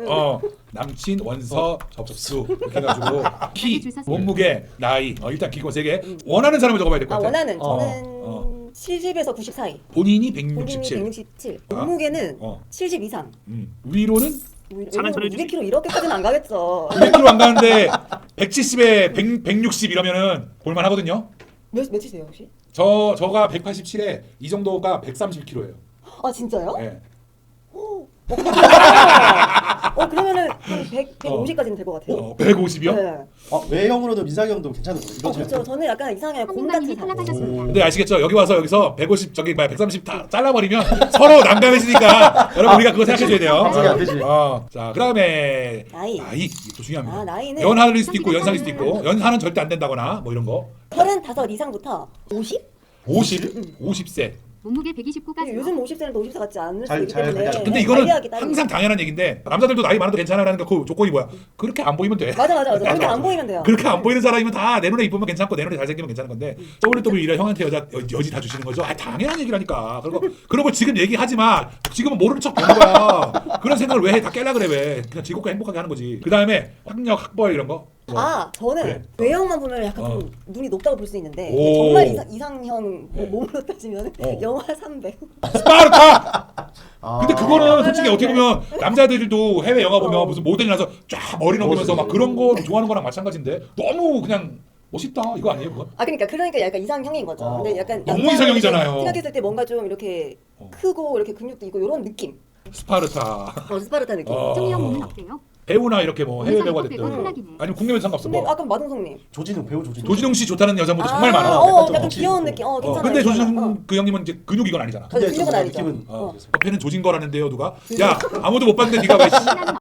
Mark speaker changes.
Speaker 1: 남친 원서 접수 이렇게 해가지고 키, 몸무게, 나이 일단 기본 3개 원하는 사람을 적어봐야 될 것 같아.
Speaker 2: 원하는 저는 70에서 90 사이.
Speaker 1: 본인이
Speaker 2: 본인이
Speaker 1: 167.
Speaker 2: 167. 몸무게는 70 이상.
Speaker 1: 위로는
Speaker 2: 200kg 이렇게까지는 안 가겠죠.
Speaker 1: 200kg 안 가는데 170에 160 이러면은 볼만하거든요.
Speaker 2: 몇이세요 혹시?
Speaker 1: 저가 187에 이 정도가 130kg예요.
Speaker 2: 아 진짜요?
Speaker 1: 네.
Speaker 2: 그러면은 150까지는 될 것 같아요.
Speaker 1: 150이요?
Speaker 2: 네.
Speaker 3: 외형으로도 민상형도 괜찮은 거예요.
Speaker 2: 그렇죠. 저는 약간 이상형 곰 같은 사람.
Speaker 1: 근데 아시겠죠? 여기서 150 저기 130 다 잘라버리면 서로 난감해지니까 여러분 우리가 그거 생각해줘야 돼요.
Speaker 3: 안 되지.
Speaker 1: 자 그다음에
Speaker 2: 나이.
Speaker 1: 이것도 중요합니다.
Speaker 2: 나이는
Speaker 1: 연하일 수도 있고 연상일 수도 있고 연하는 절대 안 된다거나 뭐 이런 거.
Speaker 2: 35 이상부터 50?
Speaker 1: 50세.
Speaker 4: 몸무게 129까지.
Speaker 2: 요즘 50세는 또 50세 같지 않을 수
Speaker 3: 잘
Speaker 2: 있기 때문에.
Speaker 1: 근데 이거는
Speaker 2: 관리하기 따로.
Speaker 1: 항상 당연한 얘기인데 남자들도 나이 많아도 괜찮아라는 그 조건이 뭐야? 그렇게 안 보이면 돼.
Speaker 2: 맞아. 그렇게 안 보이면 돼요.
Speaker 1: 그렇게 안 보이는 사람이면 다 내 눈에 이쁘면 괜찮고 내 눈에 잘생기면 괜찮은 건데 WWE라 형한테 여지 다 주시는 거죠? 당연한 얘기라니까. 그런 걸 지금 얘기하지 마. 지금은 모르는 척 되는 거야. 그런 생각을 왜 해? 다 깨려 그래 왜? 그냥 즐겁고 행복하게 하는 거지. 그 다음에 학력, 학벌 이런 거.
Speaker 2: 저는
Speaker 1: 그래.
Speaker 2: 외형만 보면 약간 좀 눈이 높다고 볼 수 있는데
Speaker 1: 오.
Speaker 2: 정말 이상형 몸으로 따지면 영하 300.
Speaker 1: 스파르타! 근데 그거는
Speaker 2: 맞아요.
Speaker 1: 솔직히 어떻게 보면 남자들도 해외 영화 보면 무슨 모델이라서 쫙 머리 넘기면서 막 그런 거 좋아하는 거랑 마찬가지인데 너무 그냥 멋있다 이거 아니에요 그건?
Speaker 2: 그러니까 약간 이상형인 거죠. 근데 약간
Speaker 1: 너무
Speaker 2: 남자는
Speaker 1: 이상형이잖아요.
Speaker 2: 생각했을 때 뭔가 좀 이렇게 크고 이렇게 근육도 있고 이런 느낌.
Speaker 1: 스파르타.
Speaker 2: 스파르타 느낌.
Speaker 4: 정리형 몸은 어때요?
Speaker 1: 배우나 이렇게 뭐 해외 배우가 됐든
Speaker 4: 탈락이네.
Speaker 1: 아니면 국내면 상관없어
Speaker 2: 근데
Speaker 1: 뭐.
Speaker 2: 아까 마동석님.
Speaker 3: 배우 조진웅.
Speaker 1: 조진웅 씨 좋다는 여자분들 정말 많아.
Speaker 2: 약간
Speaker 3: 덩치
Speaker 2: 귀여운
Speaker 3: 있고.
Speaker 2: 느낌. 괜찮아요.
Speaker 1: 근데
Speaker 2: 괜찮아요.
Speaker 1: 조진웅 그 형님은 이제 근육 이건 아니잖아.
Speaker 2: 근데 근육은 아니죠.
Speaker 3: 느낌은
Speaker 1: 옆에는 조진 거라는데요 누가? 야 아무도 못 봤는데 네가 왜?